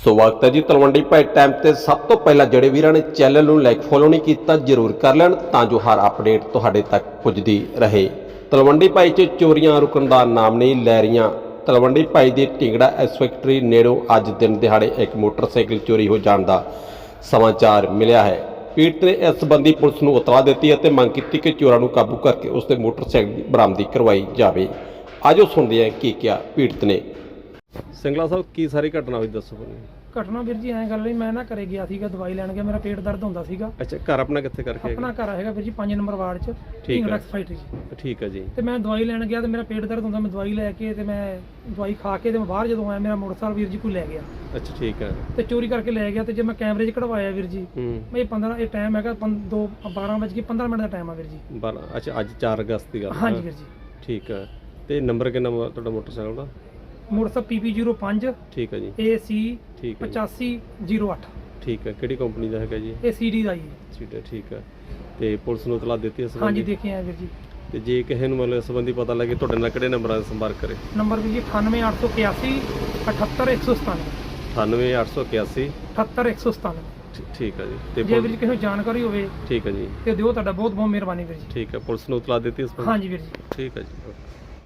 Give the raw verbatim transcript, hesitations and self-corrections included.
ਸਵਾਗਤ ਹੈ ਜੀ ਤਲਵੰਡੀ ਭਾਈ ਟਾਈਮ ਤੇ। ਸਭ ਤੋਂ ਪਹਿਲਾਂ ਜਿਹੜੇ ਵੀਰਾਂ ਨੇ ਚੈਨਲ ਨੂੰ ਲਾਈਕ ਫੋਲੋ ਨਹੀਂ ਕੀਤਾ ਜ਼ਰੂਰ ਕਰ ਲੈਣ ਤਾਂ ਜੋ ਹਰ ਅਪਡੇਟ ਤੁਹਾਡੇ ਤੱਕ ਪੁੱਜਦੀ ਰਹੇ। ਤਲਵੰਡੀ ਭਾਈ 'ਚ ਚੋਰੀਆਂ ਰੁਕਣ ਦਾ ਨਾਮ ਨਹੀਂ ਲੈ ਰਹੀਆਂ। ਤਲਵੰਡੀ ਭਾਈ ਦੀ ਢਿੰਗੜਾ ਐਸ ਫੈਕਟਰੀ ਨੇੜੋਂ ਅੱਜ ਦਿਨ ਦਿਹਾੜੇ ਇੱਕ ਮੋਟਰਸਾਈਕਲ ਚੋਰੀ ਹੋ ਜਾਣ ਦਾ ਸਮਾਚਾਰ ਮਿਲਿਆ ਹੈ। ਪੀੜਤ ਨੇ ਇਸ ਸੰਬੰਧੀ ਪੁਲਿਸ ਨੂੰ ਇਤਲਾਹ ਦਿੱਤੀ ਅਤੇ ਮੰਗ ਕੀਤੀ ਕਿ ਚੋਰਾਂ ਨੂੰ ਕਾਬੂ ਕਰਕੇ ਉਸ ਦੇ ਮੋਟਰਸਾਈਕਲ ਦੀ ਬਰਾਮਦੀ ਕਰਵਾਈ ਜਾਵੇ। ਆਜੋ ਸੁਣਦੇ ਹਾਂ ਕੀ ਕਿਹਾ ਪੀੜਤ ਨੇ। ਸਿੰਗਲਾ ਸਾਹਿਬ ਕੀ ਸਾਰੀ ਘਟਨਾ ਹੋਈ ਦੱਸੋ ਮੈਨੂੰ। ਘਟਨਾ ਵੀਰ ਜੀ ਐਂ ਗੱਲ ਨਹੀਂ, ਮੈਂ ਨਾ ਘਰੇ ਗਿਆ ਸੀਗਾ, ਦਵਾਈ ਲੈਣ ਗਿਆ, ਮੇਰਾ ਪੇਟ ਦਰਦ ਹੁੰਦਾ ਸੀਗਾ। ਅੱਛਾ, ਘਰ ਆਪਣਾ ਕਿੱਥੇ ਕਰਕੇ? ਆਪਣਾ ਘਰ ਹੈਗਾ ਵੀਰ ਜੀ ਪੰਜ ਨੰਬਰ ਵਾਰਡ 'ਚ, ਠੀਕ ਹੈ ਫੈਕਟਰੀ 'ਚ। ਠੀਕ ਹੈ ਜੀ। ਤੇ ਮੈਂ ਦਵਾਈ ਲੈਣ ਗਿਆ ਤੇ ਮੇਰਾ ਪੇਟ ਦਰਦ ਹੁੰਦਾ, ਮੈਂ ਦਵਾਈ ਲੈ ਕੇ ਤੇ ਮੈਂ ਦਵਾਈ ਖਾ ਕੇ ਤੇ ਮੈਂ ਬਾਹਰ ਜਦੋਂ ਆਇਆ ਮੇਰਾ ਮੋਟਰਸਾਈਕਲ ਵੀਰ ਜੀ ਕੋਈ ਲੈ ਗਿਆ। ਅੱਛਾ ਠੀਕ ਹੈ। ਤੇ ਚੋਰੀ ਕਰਕੇ ਲੈ ਗਿਆ। ਤੇ ਜੇ ਮੈਂ ਕੈਮਰੇ 'ਚ ਕਢਵਾਇਆ ਵੀਰ ਜੀ, ਹੂੰ ਮੈਂ ਪੰਦਰਾਂ ਇਹ ਟਾਈਮ ਹੈਗਾ ਦੋ ਬਾਰਾਂ ਵਜੇ ਕੇ ਪੰਦਰਾਂ ਮਿੰਟ ਦਾ ਟਾਈਮ ਆ ਵੀਰ ਜੀ। ਬਾਰਾਂ ਅੱਛਾ ਅੱਜ ਚਾਰ ਅਗਸਤ ਦੀ ਗੱਲ। ਹਾਂਜੀ ਵੀਰ ਜੀ। ਠੀਕ ਹੈ। ਤੇ ਨੰਬਰ ਕਿੰਨਾ ਤੁਹਾਡਾ ਮੋਟਰਸਾਈਕਲ ਦਾ? ਮੋਟਰਸਾਈਕਲ ਪੀ ਪੀ ਜ਼ੀਰੋ ਪੰਜ ਠੀਕ ਹੈ ਜੀ। ਏ ਸੀ ਠੀਕ ਹੈ ਪਚਾਸੀ ਜ਼ੀਰੋ ਅੱਠ। ਠੀਕ ਹੈ। ਕਿਹੜੀ ਕੰਪਨੀ ਦਾ ਹੈਗਾ ਜੀ? ਇਹ ਸੀ ਡੀ ਦਾ ਜੀ। ਠੀਕ ਹੈ ਠੀਕ ਹੈ। ਤੇ ਪੁਲਿਸ ਨੂੰ ਇਤਲਾਹ ਦਿੱਤੀ ਇਸ ਹਾਂਜੀ ਦੇਖੇ ਆ ਵੀਰ ਜੀ। ਤੇ ਜੇ ਕਿਸੇ ਨੂੰ ਮਤਲਬ ਇਸ ਸੰਬੰਧੀ ਪਤਾ ਲੱਗੇ ਤੁਹਾਡੇ ਨਾਲ ਕਿਹੜੇ ਨੰਬਰਾਂ 'ਤੇ ਸੰਪਰਕ ਕਰੇ? ਨੰਬਰ ਵੀਰ ਜੀ ਅਠਾਨਵੇਂ ਅੱਠ ਸੌ ਇਕਿਆਸੀ ਅਠੱਤਰ ਇੱਕ ਸੌ ਸਤਾਨਵੇਂ। ਅਠਾਨਵੇਂ ਅੱਠ ਸੌ ਇਕਿਆਸੀ ਅਠੱਤਰ ਇੱਕ ਸੌ ਸਤਾਨਵੇਂ। ਠੀਕ ਹੈ ਜੀ। ਤੇ ਜੇ ਵੀਰ ਜੀ ਕਿਸੇ ਨੂੰ ਜਾਣਕਾਰੀ ਹੋਵੇ ਠੀਕ ਹੈ ਜੀ ਤੇ ਦਿਓ, ਤੁਹਾਡਾ ਬਹੁਤ ਬਹੁਤ ਮਿਹਰਬਾਨੀ ਵੀਰ ਜੀ। ਠੀਕ ਹੈ। ਪੁਲਿਸ ਨੂੰ ਇਤਲਾਹ ਦਿੱਤੀ ਇਸ ਸੰਬੰਧੀ? ਹਾਂਜੀ ਵੀਰ ਜੀ। ਠੀਕ ਹੈ ਜੀ।